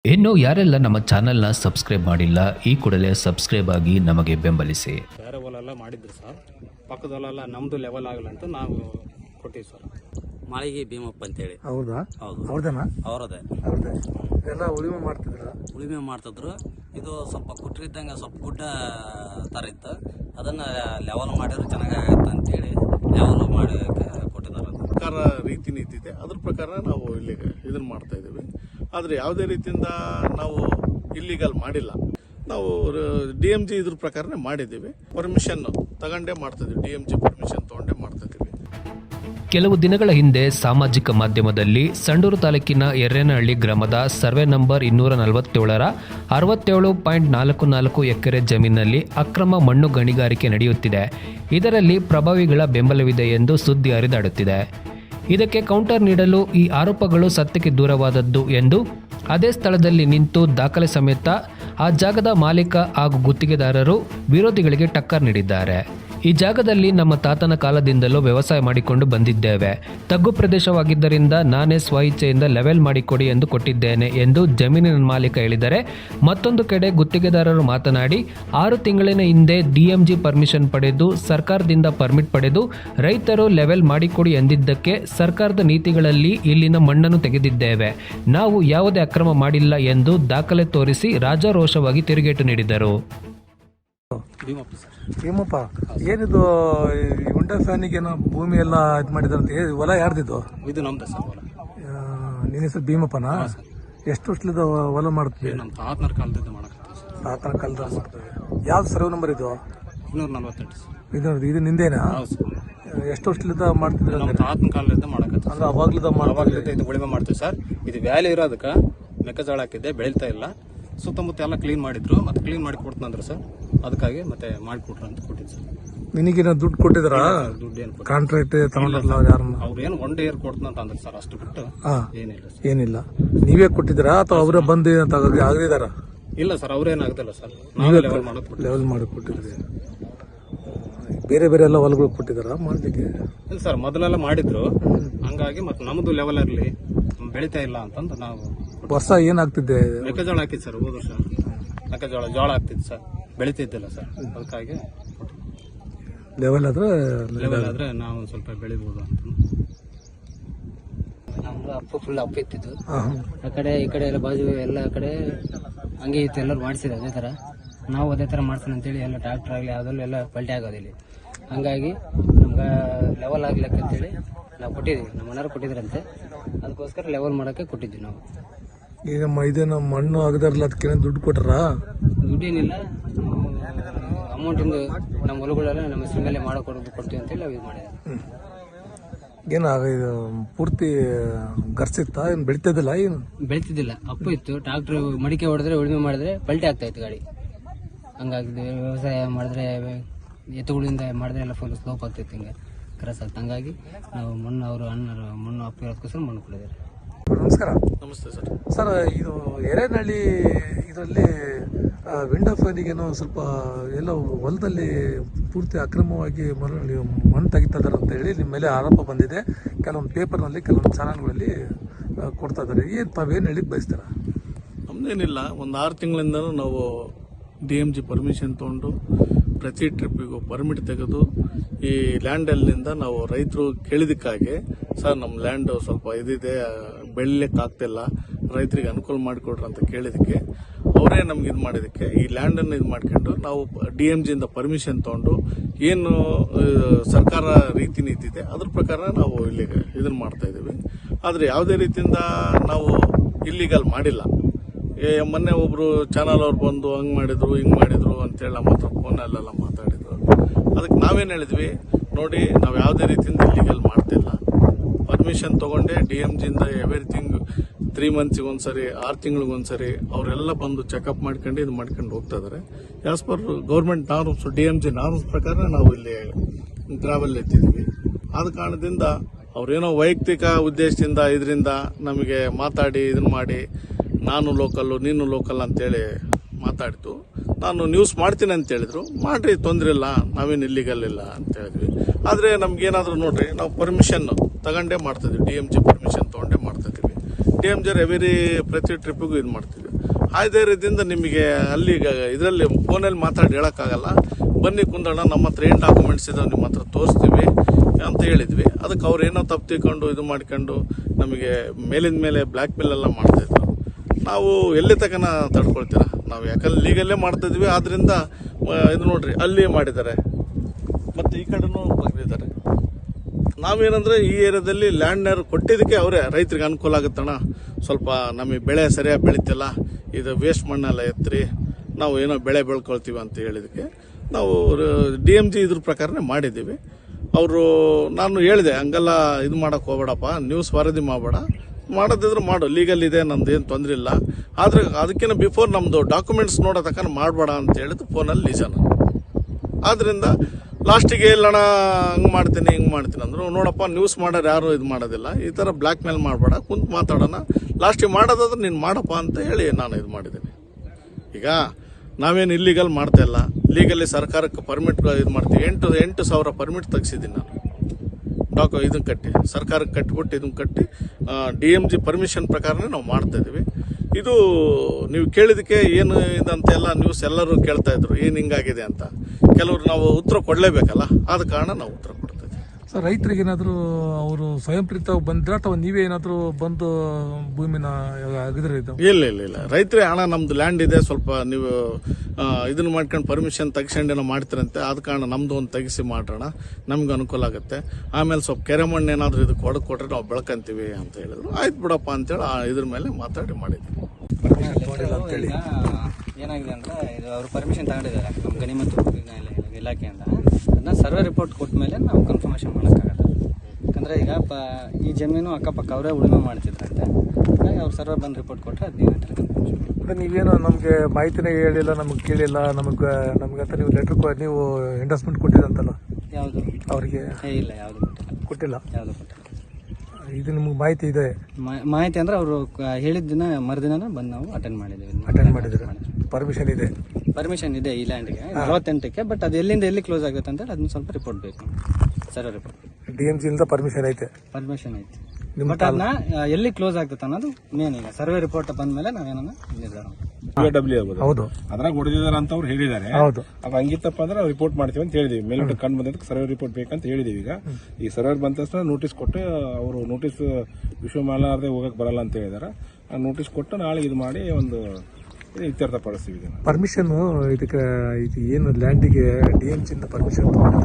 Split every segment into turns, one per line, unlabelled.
ಇನ್ನು ಯಾರೆಲ್ಲ ನಮ್ಮ ಚಾನೆಲ್ನ ಸಬ್ಸ್ಕ್ರೈಬ್ ಮಾಡಿಲ್ಲ ಈ ಕೂಡಲೇ ಸಬ್ಸ್ಕ್ರೈಬ್ ಆಗಿ ನಮಗೆ ಬೆಂಬಲಿಸಿ.
ಬೇರೆ ಹೊಲೆಲ್ಲ ಮಾಡಿದ್ರು ಸರ್, ಪಕ್ಕದಲ್ಲೆಲ್ಲ ನಮ್ಮದು ಲೆವೆಲ್ ಆಗಲ್ಲ ಅಂತ ನಾವು ಕೊಟ್ಟಿವಿ ಸರ್.
ಮಾಳಿಗೆ ಭೀಮಪ್ಪ ಅಂತೇಳಿ.
ಹೌದಾ?
ಹೌದು,
ಅವ್ರದೇನಾ?
ಅವರದೇ.
ಎಲ್ಲ ಉಳಿಮೆ
ಮಾಡ್ತಿದ್ರು. ಇದು ಸ್ವಲ್ಪ ಕುಟ್ರಿದ್ದಂಗೆ ಸ್ವಲ್ಪ ಗುಡ್ಡ ಥರ ಇತ್ತು, ಅದನ್ನು ಲೆವೆಲ್ ಮಾಡಿದ್ರೆ ಚೆನ್ನಾಗಾಗತ್ತೆ ಅಂತೇಳಿ ಲೆವೆಲ್ ಮಾಡಿ ಕೊಟ್ಟಿದ್ದಾರೆ.
ಸರ್ಕಾರ ರೀತಿ ನೀತಿ ಇದೆ, ಅದ್ರ ಪ್ರಕಾರ ನಾವು ಇಲ್ಲಿ ಇದನ್ನು ಮಾಡ್ತಾ ಇದ್ದೀವಿ. ಆದರೆ ಯಾವುದೇ ರೀತಿಯಿಂದ ನಾವು ಇಲ್ಲಿಗಲ್ ಮಾಡಿಲ್ಲ. ನಾವು DMG ಇದ್ರ ಪ್ರಕಾರನೇ ಮಾಡಿದ್ದೀವಿ. ಪರ್ಮಿಷನ್ ತಗೊಂಡೇ ಮಾಡ್ತಾ ಇದ್ದೀವಿ, DMG ಪರ್ಮಿಷನ್ ತಗೊಂಡೇ ಮಾಡ್ತಾ ಇದ್ದೀವಿ.
ಕೆಲವು ದಿನಗಳ ಹಿಂದೆ ಸಾಮಾಜಿಕ ಮಾಧ್ಯಮದಲ್ಲಿ ಸಂಡೂರು ತಾಲೂಕಿನ ಎರ್ರೇನಹಳ್ಳಿ ಗ್ರಾಮದ ಸರ್ವೆ ನಂಬರ್ 247ರ 67.44 ಎಕರೆ ಜಮೀನಿನಲ್ಲಿ ಅಕ್ರಮ ಮಣ್ಣು ಗಣಿಗಾರಿಕೆ ನಡೆಯುತ್ತಿದೆ. ಇದರಲ್ಲಿ ಪ್ರಭಾವಿಗಳ ಬೆಂಬಲವಿದೆ ಎಂದು ಸುದ್ದಿ ಹರಿದಾಡುತ್ತಿದೆ. ಇದಕ್ಕೆ ಕೌಂಟರ್ ನೀಡಲು ಈ ಆರೋಪಗಳು ಸತ್ಯಕ್ಕೆ ದೂರವಾದದ್ದು ಎಂದು ಅದೇ ಸ್ಥಳದಲ್ಲಿ ನಿಂತು ದಾಖಲೆ ಸಮೇತ ಆ ಜಾಗದ ಮಾಲೀಕ ಹಾಗೂ ಗುತ್ತಿಗೆದಾರರು ವಿರೋಧಿಗಳಿಗೆ ಟಕ್ಕರ್ ನೀಡಿದ್ದಾರೆ. ಈ ಜಾಗದಲ್ಲಿ ನಮ್ಮ ತಾತನ ಕಾಲದಿಂದಲೂ ವ್ಯವಸಾಯ ಮಾಡಿಕೊಂಡು ಬಂದಿದ್ದೇವೆ. ತಗ್ಗು ಪ್ರದೇಶವಾಗಿದ್ದರಿಂದ ನಾನೇ ಸ್ವಇಚ್ಛೆಯಿಂದ ಲೆವೆಲ್ ಮಾಡಿಕೊಡಿ ಎಂದು ಕೊಟ್ಟಿದ್ದೇನೆ ಎಂದು ಜಮೀನಿನ ಮಾಲೀಕ ಹೇಳಿದರೆ, ಮತ್ತೊಂದು ಕಡೆ ಗುತ್ತಿಗೆದಾರರು ಮಾತನಾಡಿ 6 ತಿಂಗಳಿನ ಹಿಂದೆ DMG ಪರ್ಮಿಷನ್ ಪಡೆದು ಸರ್ಕಾರದಿಂದ ಪರ್ಮಿಟ್ ಪಡೆದು ರೈತರು ಲೆವೆಲ್ ಮಾಡಿಕೊಡಿ ಎಂದಿದ್ದಕ್ಕೆ ಸರ್ಕಾರದ ನೀತಿಗಳಲ್ಲಿ ಇಲ್ಲಿನ ಮಣ್ಣನ್ನು ತೆಗೆದಿದ್ದೇವೆ, ನಾವು ಯಾವುದೇ ಅಕ್ರಮ ಮಾಡಿಲ್ಲ ಎಂದು ದಾಖಲೆ ತೋರಿಸಿ ರಾಜಾರೋಷವಾಗಿ ತಿರುಗೇಟು ನೀಡಿದರು.
ಭೀಮಪ್ಪ, ಏನಿದು ಹುಂಡಾ ಫ್ಯಾನಿಗೇನೋ ಭೂಮಿ ಎಲ್ಲ ಇದು ಮಾಡಿದಾರಂತ, ಹೊಲ ಯಾರ್ದಿದ್ದು?
ಇದು ನಮ್ದು ಸರ್ ಹೊಲ.
ನಿನ್ನ ಹೆಸರು ಭೀಮಪ್ಪನಾ? ಎಷ್ಟು ವರ್ಷದ ಹೊಲ ಮಾಡ್ತೀವಿ?
ನಮ್ಮ ತಾತನ ಕಾಲದಿಂದ ಮಾಡಕತ್ತೀವಿ ಸರ್.
ತಾತನ ಕಾಲದ ಮಾಡ್ತೀವಿ. ಯಾವ್ದು ಸರ್ವೆ ನಂಬರ್ ಇದು?
248 ಸರ್.
ಇದು ನಿಂದೇನಾ?
ಹೌದು ಸರ್.
ಎಷ್ಟು ವರ್ಷದಿಂದ ಮಾಡ್ತಿದ್ರೆ?
ನಮ್ಮ ತಾತನ ಕಾಲದಿಂದ ಮಾಡಕತ್ತೀವಿ.
ಅಂದ್ರೆ ಅವಾಗ್ಲಿದ್ದ
ಇದು ಉಳಿಮೆ ಮಾಡ್ತೀವಿ ಸರ್. ಇದು ವ್ಯಾಲಿ ಇರೋದಕ್ಕೆ ಮೆಕ್ಕೆಜೋಳ ಹಾಕಿದ್ದೆ, ಬೆಳೀತಾ ಇಲ್ಲ. ಸುತ್ತಮುತ್ತ ಎಲ್ಲ ಕ್ಲೀನ್ ಮಾಡಿದ್ರು, ಮತ್ತೆ ಕ್ಲೀನ್ ಮಾಡಿ ಕೊಡ್ತಂದ್ರು ಸರ್. ಅದಕ್ಕಾಗಿ ಮತ್ತೆ ಮಾಡಿಕೊಟ್ರು ಅಂತ ಕೊಟ್ಟಿದ್ದು ಸರ್.
ನಿನಗೇನೋ ದುಡ್ಡು ಕೊಟ್ಟಿದ್ರ?
ದುಡ್ಡು ಏನು
ಕಾಂಟ್ರಾಕ್ಟ್ ತಗೊಂಡ್ರಲ್ಲ ಯಾರನ್ನ?
ಅವ್ರೇನು 1 ಇಯರ್ ಕೊಡ್ತಂತ ಅಂದ್ರು ಸರ್, ಅಷ್ಟು ಬಿಟ್ಟು ಏನಿಲ್ಲ ಸರ್.
ಏನಿಲ್ಲ. ನೀವೇ ಕೊಟ್ಟಿದ್ದೀರಾ ಅಥವಾ ಅವರೇ ಬಂದು ಆಗದಿದಾರ?
ಇಲ್ಲ ಸರ್, ಅವ್ರೇನು ಆಗದಿಲ್ಲ ಸರ್, ನಾವೇ ಲೆವೆಲ್ ಮಾಡೋದು.
ಲೆವೆಲ್ ಮಾಡಿ ಕೊಟ್ಟಿದ್ರಿ. ಬೇರೆ ಬೇರೆ ಎಲ್ಲ ಹೊಲಗಳು ಕೊಟ್ಟಿದಾರ ಮಾಡ್ಲಿಕ್ಕೆ?
ಇಲ್ಲ ಸರ್, ಮೊದಲೆಲ್ಲ ಮಾಡಿದ್ರು, ಹಂಗಾಗಿ ಮತ್ತೆ ನಮ್ದು ಲೆವೆಲ್ ಇರಲಿ, ಬೆಳೀತಾ ಇಲ್ಲ ಅಂತಂದು ನಾವು.
ವರ್ಷ ಏನಾಗ್ತಿದ್ದೆ?
ಮೆಕ್ಕೆಜೋಳ ಹಾಕಿದ್ ಸರ್, ಹೋದ ವರ್ಷ ಮೆಕ್ಕೆಜೋಳ ಜೋಳ ಆಗ್ತಿತ್ತು ಸರ್, ಬೆಳೀತಿದ್ದಿಲ್ಲ ಸರ್. ಅದಕ್ಕಾಗಿ
ಲೆವೆಲ್
ಆದ್ರೆ ನಾವು ಸ್ವಲ್ಪ ಬೆಳಿಬಹುದು ಅಂತ.
ನಮ್ದು ಅಪ್ಪು ಫುಲ್ ಅಪ್ಪ ಇತ್ತಿದ್ದು, ಆ ಕಡೆ ಈ ಕಡೆ ಎಲ್ಲ ಬಾಜು ಎಲ್ಲ ಕಡೆ ಹಂಗೆ ಇತ್ತು, ಎಲ್ಲರೂ ಮಾಡಿಸಿದ್ರು ಅದೇ ಥರ. ನಾವು ಅದೇ ಥರ ಮಾಡ್ಸೋಣ ಅಂತೇಳಿ ಎಲ್ಲ ಟ್ರಾಕ್ಟರ್ ಆಗಲಿ ಯಾವುದಲ್ಲೂ ಎಲ್ಲ ಪಲ್ಟಿ ಆಗೋದಿಲ್ಲ. ಹಂಗಾಗಿ ನಮ್ಗೆ ಲೆವೆಲ್ ಆಗ್ಲಿಕ್ಕೆ ಅಂತೇಳಿ ನಾವು ಕೊಟ್ಟಿದ್ದೀವಿ, ನಮ್ಮ ಮನೆಯವ್ರು ಕೊಟ್ಟಿದ್ರಂತೆ, ಅದಕ್ಕೋಸ್ಕರ ಲೆವೆಲ್ ಮಾಡೋಕ್ಕೆ ಕೊಟ್ಟಿದ್ವಿ ನಾವು.
ಈಗ ಇದೇನು ಮಣ್ಣು ಆಗದಾರಲ್ಲ, ಅದಕ್ಕೆ ದುಡ್ಡು ಕೊಟ್ರ?
ದುಡ್ಡೇನಿಲ್ಲ, ಅಮೌಂಟಿಂದ ನಮ್ಮ ಹೊಲಗಳೆಲ್ಲ ನಮ್ಮ ಹೆಸರು ಮೇಲೆ ಕೊಡ್ತೀವಿ ಅಂತೇಳಿ ನಾವು ಇದು ಮಾಡಿದ್ವಿ.
ಇದು ಪೂರ್ತಿ ಗರ್ಸಿತ್ತ? ಏನು ಬೆಳಿತದಿಲ್ಲ? ಏನು
ಬೆಳಿತಿದ್ದಿಲ್ಲ, ಅಪ್ಪು ಇತ್ತು. ಟ್ರಾಕ್ಟರ್ ಮಡಿಕೆ ಹೊಡೆದ್ರೆ ಉಳುಮೆ ಮಾಡಿದ್ರೆ ಪಲ್ಟಿ ಆಗ್ತಾ ಇತ್ತು ಗಾಡಿ. ಹಂಗಾಗಿ ವ್ಯವಸಾಯ ಮಾಡಿದ್ರೆ ಎತ್ತುಗಳಿಂದ ಮಾಡಿದ್ರೆ ಎಲ್ಲ ಫುಲ್ ಸ್ಲೋಪ್ ಆಗ್ತಿತ್ತು, ಹಿಂಗೆ ಕ್ರಾಸ್ ಆಗ್ತದೆ. ಹಂಗಾಗಿ ನಾವು ಮಣ್ಣು ಅವರು ಅಣ್ಣರು ಮಣ್ಣು ಅಪ್ಪು ಇರೋದಕ್ಕೋಸ್ಕರ ಮಣ್ಣು ಕೊಡಿದ್ದಾರೆ.
ನಮಸ್ಕಾರ.
ನಮಸ್ತೆ ಸರ್.
ಸರ್, ಇದು ಎರೇನಹಳ್ಳಿ ಇದರಲ್ಲಿ ವಿಂಡೋ ಫ್ಯಾನಿಗೇನೋ ಸ್ವಲ್ಪ ಎಲ್ಲ ಹೊಲದಲ್ಲಿ ಪೂರ್ತಿ ಅಕ್ರಮವಾಗಿ ಮಣ್ಣು ತೆಗಿತಿದ್ದಾರೆ ಅಂತ ಹೇಳಿ ನಿಮ್ಮ ಮೇಲೆ ಆರೋಪ ಬಂದಿದೆ. ಕೆಲವೊಂದು ಪೇಪರ್ನಲ್ಲಿ ಕೆಲವೊಂದು ಚಾನಲ್ಗಳಲ್ಲಿ ಕೊಡ್ತಾ ಇದ್ದಾರೆ. ತಾವೇನು ಹೇಳಿ ಬಯಸ್ತಾರ?
ನಮ್ದೇನಿಲ್ಲ, ಒಂದು 6 ತಿಂಗಳಿಂದನೂ ನಾವು DMG ಪರ್ಮಿಷನ್ ತೊಗೊಂಡು ಪ್ರತಿ ಟ್ರಿಪ್ಪಿಗೂ ಪರ್ಮಿಟ್ ತೆಗೆದು ಈ ಲ್ಯಾಂಡಲ್ಲಿಂದ ನಾವು ರೈತರು ಕೇಳಿದಕ್ಕಾಗಿ, ಸರ್ ನಮ್ಮ ಲ್ಯಾಂಡು ಸ್ವಲ್ಪ ಇದಿದೆ, ಬೆಳಿಲಿಕ್ಕೆ ಆಗ್ತಿಲ್ಲ, ರೈತರಿಗೆ ಅನುಕೂಲ ಮಾಡಿಕೊಡ್ರಿ ಅಂತ ಕೇಳಿದಕ್ಕೆ ಅವರೇ ನಮ್ಗೆ ಇದು ಮಾಡಿದಕ್ಕೆ ಈ ಲ್ಯಾಂಡನ್ನು ಇದು ಮಾಡ್ಕೊಂಡು ನಾವು DMGಯಿಂದ ಪರ್ಮಿಷನ್ ತೊಗೊಂಡು ಏನು ಸರ್ಕಾರ ರೀತಿ ನೀತಿ ಇದೆ ಅದ್ರ ಪ್ರಕಾರ ನಾವು ಇಲ್ಲಿ ಇದನ್ನು ಮಾಡ್ತಾ ಇದ್ದೀವಿ. ಆದರೆ ಯಾವುದೇ ರೀತಿಯಿಂದ ನಾವು ಇಲ್ಲಿಗಲ್ ಮಾಡಿಲ್ಲ. ಮೊನ್ನೆ ಒಬ್ರು ಚಾನಲ್ ಅವ್ರು ಬಂದು ಹಂಗ್ ಮಾಡಿದ್ರು ಹಿಂಗ್ ಮಾಡಿದ್ರು ಅಂತೇಳಿ ನಮ್ಮ ಹತ್ರ ಫೋನಲ್ಲೆಲ್ಲ ಮಾತಾಡಿದ್ರು. ಅದಕ್ಕೆ ನಾವೇನು ಹೇಳಿದ್ವಿ, ನೋಡಿ ನಾವು ಯಾವುದೇ ರೀತಿಯಿಂದ ಇಲ್ಲಿಗಲ್ ಮಾಡ್ತಿಲ್ಲ, ಪರ್ಮಿಷನ್ ತಗೊಂಡೆ DMGಯಿಂದ ಎವ್ರಿಥಿಂಗ್ 3 ಮಂತ್ಸಿಗೆ ಒಂದ್ಸರಿ 6 ತಿಂಗಳಿಗೊಂದ್ಸರಿ ಅವರೆಲ್ಲ ಬಂದು ಚೆಕಪ್ ಮಾಡ್ಕೊಂಡು ಇದು ಮಾಡ್ಕೊಂಡು ಹೋಗ್ತಾ ಇದಾರೆ. As per government norms, DMG norms ಪ್ರಕಾರ ನಾವು ಇಲ್ಲಿ ಟ್ರಾವೆಲ್ ಎತ್ತಿದ್ವಿ. ಆದ ಕಾರಣದಿಂದ ಅವ್ರೇನೋ ವೈಯಕ್ತಿಕ ಉದ್ದೇಶದಿಂದ ಇದರಿಂದ ನಮಗೆ ಮಾತಾಡಿ ಇದನ್ನ ಮಾಡಿ ನಾನು ಲೋಕಲ್ಲು ನೀನು ಲೋಕಲ್ ಅಂತೇಳಿ ಮಾತಾಡಿತು. ನಾನು ನ್ಯೂಸ್ ಮಾಡ್ತೀನಿ ಅಂತ ಹೇಳಿದ್ರು, ಮಾಡ್ರಿ ತೊಂದರೆ ಇಲ್ಲ, ನಾವೇನು ಇಲ್ಲಿಗಲ್ಲಿಲ್ಲ ಅಂತ ಹೇಳಿದ್ವಿ. ಆದರೆ ನಮ್ಗೇನಾದರೂ ನೋಡ್ರಿ, ನಾವು ಪರ್ಮಿಷನ್ ತಗೊಂಡೇ ಮಾಡ್ತಿದ್ವಿ, DMG ಪರ್ಮಿಷನ್ ತೊಗೊಂಡೇ ಮಾಡ್ತಿದ್ವಿ. DMG ಪ್ರತಿ ಟ್ರಿಪ್ಪಿಗೂ ಇದು ಮಾಡ್ತಿದ್ವಿ. ಆ ಧೈರ್ಯದಿಂದ ನಿಮಗೆ ಅಲ್ಲಿ ಇದರಲ್ಲಿ ಫೋನಲ್ಲಿ ಮಾತಾಡಿ ಹೇಳೋಕ್ಕಾಗಲ್ಲ, ಬನ್ನಿ ಕುಂದಣ್ಣ, ನಮ್ಮ ಹತ್ರ ಏನು ಡಾಕ್ಯುಮೆಂಟ್ಸ್ ಇದಾವೆ ನಿಮ್ಮ ಹತ್ರ ತೋರಿಸ್ತೀವಿ ಅಂತ ಹೇಳಿದ್ವಿ. ಅದಕ್ಕೆ ಅವ್ರು ಏನೋ ತಪ್ಪು ತಿಳ್ಕೊಂಡು ಇದು ಮಾಡ್ಕೊಂಡು ನಮಗೆ ಮೇಲಿಂದ ಮೇಲೆ ಬ್ಲ್ಯಾಕ್ ಮೇಲ್ ಎಲ್ಲ ಮಾಡ್ತಾಯಿದ್ರು. ನಾವು ಎಲ್ಲಿ ತನಕ ತಡ್ಕೊಳ್ತೀರ ನಾವು, ಯಾಕಂದ್ರೆ ಲೀಗಲ್ಲೇ ಮಾಡ್ತಾಯಿದ್ವಿ. ಆದ್ದರಿಂದ ಇದು ನೋಡ್ರಿ, ಅಲ್ಲಿ ಮಾಡಿದ್ದಾರೆ ಮತ್ತು ಈ ಕಡೆನೂ ಬಗ್ದಿದ್ದಾರೆ. ನಾವೇನಂದ್ರೆ ಈ ಏರಿಯಾದಲ್ಲಿ ಲ್ಯಾಂಡ್ನರ್ ಕೊಟ್ಟಿದ್ದಕ್ಕೆ ಅವರೇ ರೈತರಿಗೆ ಅನುಕೂಲ ಆಗುತ್ತಣ್ಣ, ಸ್ವಲ್ಪ ನಮಗೆ ಬೆಳೆ ಸರಿಯಾಗಿ ಬೆಳೀತಿಲ್ಲ, ಇದು ವೇಸ್ಟ್ ಮಣ್ಣೆಲ್ಲ ಎತ್ತರಿ ನಾವು ಏನೋ ಬೆಳೆ ಬೆಳ್ಕೊಳ್ತೀವಿ ಅಂತ ಹೇಳಿದಕ್ಕೆ ನಾವು DMG ಇದ್ರ ಪ್ರಕಾರನೇ ಮಾಡಿದ್ದೀವಿ. ಅವರು ನಾನು ಹೇಳಿದೆ, ಹಂಗೆಲ್ಲ ಇದು ಮಾಡೋಕೆ ಹೋಗ್ಬೇಡಪ್ಪ, ನ್ಯೂಸ್ ವರದಿ ಮಾಡಬೇಡ, ಮಾಡೋದಿದ್ರೆ ಮಾಡು, ಲೀಗಲ್ ಇದೆ, ನಮ್ದು ಏನು ತೊಂದರೆ ಇಲ್ಲ, ಆದರೆ ಅದಕ್ಕಿಂತ ಬಿಫೋರ್ ನಮ್ಮದು ಡಾಕ್ಯುಮೆಂಟ್ಸ್ ನೋಡೋ ತಕ್ಕ ಮಾಡಬೇಡ ಅಂತ ಹೇಳಿದ್ದು ಫೋನಲ್ಲಿ ನಿಜ ನಾನು. ಆದ್ದರಿಂದ ಲಾಸ್ಟಿಗೆ ಇಲ್ಲಣ್ಣ ಹಂಗೆ ಮಾಡ್ತೀನಿ ಹಿಂಗೆ ಮಾಡ್ತೀನಿ ಅಂದರು. ನೋಡಪ್ಪ, ನ್ಯೂಸ್ ಮಾಡೋರು ಯಾರು ಇದು ಮಾಡೋದಿಲ್ಲ, ಈ ಥರ ಬ್ಲ್ಯಾಕ್ ಮೇಲ್ ಮಾಡಬೇಡ, ಕುಂತು ಮಾತಾಡೋಣ, ಲಾಸ್ಟಿಗೆ ಮಾಡೋದಾದ್ರೆ ನೀನು ಮಾಡಪ್ಪ ಅಂತ ಹೇಳಿ ನಾನು ಇದು ಮಾಡಿದ್ದೀನಿ. ಈಗ ನಾವೇನು ಇಲ್ಲಿಗಲ್ ಮಾಡ್ತಾ ಇಲ್ಲ, ಲೀಗಲ್ಲಿ ಸರ್ಕಾರಕ್ಕೆ ಪರ್ಮಿಟ್ ಇದು ಮಾಡ್ತೀವಿ. 8,000 ಪರ್ಮಿಟ್ ತೆಗ್ಸಿದ್ದೀನಿ ನಾನು, ಇದನ್ನು ಕಟ್ಟಿ ಸರ್ಕಾರಕ್ಕೆ ಕಟ್ಟಿಬಿಟ್ಟು ಇದನ್ನು ಕಟ್ಟಿ DMG ಪರ್ಮಿಷನ್ ಪ್ರಕಾರನೇ ನಾವು ಮಾಡ್ತಾ ಇದ್ದೀವಿ. ಇದು ನೀವು ಕೇಳಿದಕ್ಕೆ ಏನು ಇದಂತೆಲ್ಲ ನ್ಯೂಸ್ ಎಲ್ಲರೂ ಕೇಳ್ತಾ ಇದ್ರು, ಏನು ಹಿಂಗಾಗಿದೆ ಅಂತ. ಕೆಲವರು ನಾವು ಉತ್ತರ ಕೊಡಲೇಬೇಕಲ್ಲ, ಆದ ಕಾರಣ ನಾವು ಉತ್ತರ ಕೊಡ್ತಾ ಇದ್ದೀವಿ.
ಸರ್, ರೈತರಿಗೆ ಏನಾದರೂ ಅವರು ಸ್ವಯಂ ಪ್ರೀತವಾಗಿ ಬಂದ್ರೆ ಅಥವಾ ನೀವೇ ಏನಾದರೂ ಬಂದು ಭೂಮಿನ ಅಗದ್ರೆ ಇದು?
ಇಲ್ಲ, ರೈತರೇ ಹಣ ನಮ್ದು ಲ್ಯಾಂಡ್ ಇದೆ, ಸ್ವಲ್ಪ ನೀವು ಇದನ್ನ ಮಾಡ್ಕೊಂಡು ಪರ್ಮಿಷನ್ ತೆಗ್ಸ್ಕೊಂಡೇನೋ ಮಾಡ್ತೀರಂತೆ, ಆದ ಕಾರಣ ನಮ್ದು ಒಂದು ತೆಗಿಸಿ ಮಾಡೋಣ, ನಮ್ಗೆ ಅನುಕೂಲ ಆಗುತ್ತೆ. ಆಮೇಲೆ ಸ್ವಲ್ಪ ಕೆರೆ ಮಣ್ಣು ಏನಾದರೂ ಇದಕ್ಕೆ ಕೊಟ್ರೆ ನಾವು ಬೆಳ್ಕೊಂತೀವಿ ಅಂತ ಹೇಳಿದ್ರು. ಆಯ್ತು ಬಿಡಪ್ಪ ಅಂತೇಳಿ ಇದ್ರ ಮೇಲೆ ಮಾತಾಡಿ ಮಾಡಿದ್ವಿ.
ಈಗ ಏನಾಗಿದೆ ಅಂದ್ರೆ, ಇದು ಅವರು ಪರ್ಮಿಷನ್ ತಗೊಂಡಿದ್ದಾರೆ ನಮ್ಮ ಗಣಿ ಮತ್ತು ಇಲಾಖೆಯಿಂದ. ಅದನ್ನ ಸರ್ವೆ ರಿಪೋರ್ಟ್ ಕೊಟ್ಟ ಮೇಲೆ ನಾವು ಕನ್ಫರ್ಮೇಷನ್ ಮಾಡೋಕ್ಕಾಗತ್ತೆ. ಯಾಕಂದರೆ ಈಗ ಈ ಜಮೀನು ಅಕ್ಕಪಕ್ಕ ಅವರೇ ಉಳುಮೆ ಮಾಡ್ತಿದ್ರಂತೆ, ಹಾಗಾಗಿ ಅವ್ರು ಸರ್ವೆ ಬಂದು ರಿಪೋರ್ಟ್ ಕೊಟ್ಟರೆ ಅದು ಕನ್ಫರ್ಮೇಷನ್.
ನೀವೇನು ನಮಗೆ ಮಾಹಿತಿನೇ ಹೇಳಿಲ್ಲ, ನಮಗೆ ಕೇಳಿಲ್ಲ, ನಮಗಂತ ನೀವು ಲೆಟ್ರ್ ನೀವು ಎಂಡರ್ಸ್ಮೆಂಟ್ ಕೊಟ್ಟಿರಂತಲ್ಲ,
ಯಾವುದು
ಅವರಿಗೆ?
ಇಲ್ಲ, ಯಾವುದು ಕೊಟ್ಟಿಲ್ಲ.
ಇದು ನಿಮ್ಗೆ ಮಾಹಿತಿ ಇದೆ?
ಮಾಹಿತಿ ಅಂದ್ರೆ ಅವರು ಹೇಳಿದ ದಿನ ಮರುದಿನ ಬಂದು ನಾವು ಅಟೆಂಡ್ ಮಾಡಿದ್ದೀವಿ.
ಪರ್ಮಿಷನ್ ಇದೆ?
ಪರ್ಮಿಷನ್ ಇದೆ ಈ ಲ್ಯಾಂಡ್ಗೆ 48ಕ್ಕೆ. ಬಟ್ ಅದು ಎಲ್ಲಿಂದ ಎಲ್ಲಿ ಕ್ಲೋಸ್ ಆಗುತ್ತೆ ಅಂತೇಳಿ ಅದನ್ನ ಸ್ವಲ್ಪ ರಿಪೋರ್ಟ್ ಬೇಕು, ಸರ್ವೆ ರಿಪೋರ್ಟ್.
DMG ಇಂದ ಪರ್ಮಿಷನ್ ಐತೆ?
ಪರ್ಮಿಷನ್ ಐತೆ, ಬಟ್ ಅದನ್ನ ಎಲ್ಲಿ ಕ್ಲೋಸ್ ಆಗುತ್ತೆ ಅನ್ನೋದು ಮೇನ್. ಈಗ ಸರ್ವೆ ರಿಪೋರ್ಟ್ ಬಂದ್ಮೇಲೆ ನಾವೇನ ನಿರ್ಧಾರ.
ಹೌದು,
ಅದ್ರಾಗ ಹೊಡೆದಿದ್ದಾರೆ ಅಂತ ಅವ್ರು ಹೇಳಿದ್ದಾರೆ.
ಹೌದು,
ಅದು ಹಂಗಿತ್ತಪ್ಪ ಅಂದ್ರೆ ನಾವು ರಿಪೋರ್ಟ್ ಮಾಡ್ತೀವಿ ಅಂತ ಹೇಳಿದೀವಿ. ಮೇಲ್ಗಡೆ ಕಂಡು ಬಂದಕ್ಕೆ ಸರ್ವೆ ರಿಪೋರ್ಟ್ ಬೇಕಂತ ಹೇಳಿದೀವಿ. ಈಗ ಈ ಸರ್ವೆ ಬಂದ ತಕ್ಷಣ ನೋಟಿಸ್ ಕೊಟ್ಟು ಅವರು ನೋಟಿಸ್ ವಿಶ್ವ ಮಾಡಲಾರದೆ ಹೋಗಕ್ ಬರಲ್ಲ ಅಂತ ಹೇಳಿದಾರೆ. ಆ ನೋಟಿಸ್ ಕೊಟ್ಟು ನಾಳೆ ಇದು ಮಾಡಿ ಒಂದು ಇತ್ಯರ್ಥ ಪಡಿಸ್ತೀವಿ. ಇದನ್ನ
ಪರ್ಮಿಷನ್ ಇದಕ್ಕೆ ಇದು ಏನು ಲ್ಯಾಂಡಿಗೆ DMG ಇಂದ ಪರ್ಮಿಷನ್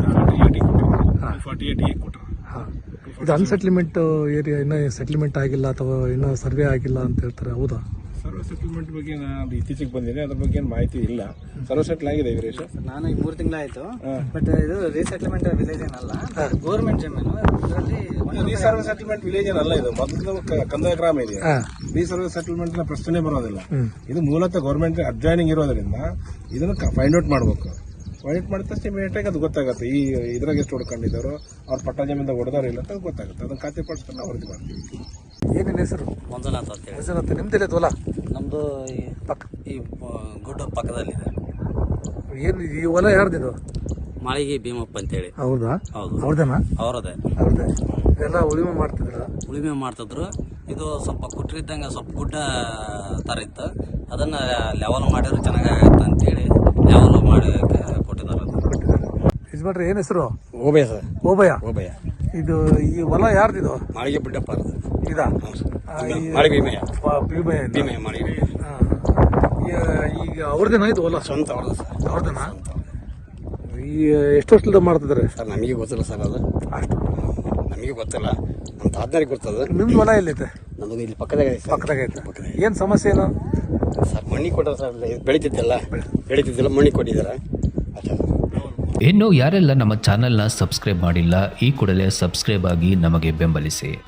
48 ಕೊಟ್ಟರು.
ಇದು ಅನ್ಸೆಟ್ಲ್ಮೆಂಟ್ ಏರಿಯಾ, ಇನ್ನೂ ಸೆಟ್ಲ್ಮೆಂಟ್ ಆಗಿಲ್ಲ ಅಥವಾ ಇನ್ನೂ ಸರ್ವೆ ಆಗಿಲ್ಲ ಅಂತ ಹೇಳ್ತಾರೆ, ಹೌದಾ?
ಸರ್ವೆ ಸೆಟಲ್ಮೆಂಟ್ ಬಗ್ಗೆ ನಾನು ಇತ್ತೀಚೆಗೆ ಬಂದಿದೆ, ಅದ್ರ ಬಗ್ಗೆ ಏನು ಮಾಹಿತಿ ಇಲ್ಲ. ಸರ್ವೆ ಸೆಟ್ಲ್ ಆಗಿದೆ ವೀರೇಶ್.
ನಾನು ಈಗ 3 ತಿಂಗಳಾಯ್ತು. ಬಟ್ ಇದು ರೀಸೆಟ್ಲ್ಮೆಂಟ್ ವಿಲೇಜ್ ಏನಲ್ಲ, ಗೌರ್ಮೆಂಟ್ ಜಮೀನು. ಇದರಲ್ಲಿ
ರೀಸರ್ವೆ ಸೆಟಲ್ಮೆಂಟ್ ವಿಲೇಜ್ ಏನಲ್ಲ, ಇದು ಮೊದಲು ಕಂದಾಯ ಗ್ರಾಮ ಇದೆ. ರೀಸರ್ವೆ ಸೆಟಲ್ಮೆಂಟ್ ಪ್ರಶ್ನೆ ಬರೋದಿಲ್ಲ. ಇದು ಮೂಲತಃ ಗೌರ್ಮೆಂಟ್ ಅಡ್ಜಾಯ್ನಿಂಗ್ ಇರೋದ್ರಿಂದ ಇದನ್ನ ಫೈಂಡ್ ಔಟ್ ಮಾಡಬೇಕು. ಫೈಂಡ್ ಮಾಡಿದ ತಕ್ಷಣ ಇಮಿಡಿಯೇಟಾಗಿ ಅದು ಗೊತ್ತಾಗುತ್ತೆ. ಈ ಇದ್ರಾಗ ಎಷ್ಟು ಹೊಡ್ಕೊಂಡಿದ್ದಾರೋ, ಅವ್ರ ಪಟ್ಟ ಜಮೀನಿಂದ ಹೊಡೆದಾರೋ ಇಲ್ಲ ಅಂತ ಗೊತ್ತಾಗುತ್ತೆ. ಅದನ್ನ ಖಾತೆ ಪಡಿಸ್ಕೊಂಡು ನಾವು ವರದಿ ಮಾಡ್ತೀವಿ.
ಏನೇನು ಹೆಸರು?
ಮಂಜುನಾಥ್ ಅಂತ ಹೇಳಿ.
ಮಂಜುನಾಥ್, ನಿಮ್ದಿಲ್ಲ ಹೊಲ?
ನಮ್ದು ಈ ಗುಡ್ಡ ಪಕ್ಕದಲ್ಲಿದೆ.
ಏನು ಈ ಹೊಲ ಯಾರ್ದಿದು?
ಮಾಳಿಗೆ ಭೀಮಪ್ಪ ಅಂತೇಳಿ.
ಹೌದಾ?
ಹೌದು,
ಅವ್ರದೇನಾ?
ಅವರದೇ.
ಎಲ್ಲ ಉಳುಮೆ ಮಾಡ್ತಿದ್ರ?
ಉಳುಮೆ ಮಾಡ್ತಿದ್ರು. ಇದು ಸ್ವಲ್ಪ ಕುಟ್ರಿದ್ದಂಗೆ ಸ್ವಲ್ಪ ಗುಡ್ಡ ಥರ ಇತ್ತು, ಅದನ್ನ ಲೆವೆಲ್ ಮಾಡಿದ್ರು ಚೆನ್ನಾಗಾಗತ್ತೆ ಅಂತೇಳಿ ಲೆವೆಲ್ ಮಾಡಿ ಕೊಟ್ಟಿದ್ದಾರೆ.
ಯಜಮಾನ್ರೆ, ಏನ್ ಹೆಸರು?
ಓಬಯ್ಯ ಸರ್.
ಓಬಯ್ಯ. ಇದು ಈ ಹೊಲ ಯಾರ್ದಿದು?
ಮಾಳಿಗೆ ಬಿಡ್ಡಪ್ಪ
ಇದಾ?
ಭೀಮಯ್ಯ.
ಈಗ ಅವ್ರದೇನಾ ಇದು ಹೊಲ?
ಸ್ವಂತ
ಅವ್ರದೇನಾ? ಈ ಎಷ್ಟು ವರ್ಷದಿಂದ ಮಾಡ್ತಿದ್ದಾರೆ
ಸರ್? ನಮಗೆ ಗೊತ್ತಿಲ್ಲ ಸರ್, ಅದು
ಅಷ್ಟು
ನಮಗೆ ಗೊತ್ತಿಲ್ಲ. ನಮ್ಮ ತಾತನಿಗೆ ಗೊತ್ತದು.
ನಿಮ್ದು ಹೊಲ ಎಲ್ಲೈತೆ?
ನಮ್ಮದು ಇಲ್ಲಿ ಪಕ್ಕದಾಗ
ಐತೆ. ಏನ್ ಸಮಸ್ಯೆ ಏನು
ಸರ್? ಮಣ್ಣಿ ಕೊಟ್ಟರು ಸರ್, ಬೆಳೀತಿದ್ದಿಲ್ಲ ಮಣ್ಣಿ ಕೊಟ್ಟಿದ್ದಾರೆ.
ಇನ್ನು ಯಾರೆಲ್ಲ ನಮ್ಮ ಚಾನೆಲ್ನ ಸಬ್ಸ್ಕ್ರೈಬ್ ಮಾಡಿಲ್ಲ, ಈ ಕೂಡಲೇ ಸಬ್ಸ್ಕ್ರೈಬ್ ಆಗಿ ನಮಗೆ ಬೆಂಬಲಿಸಿ.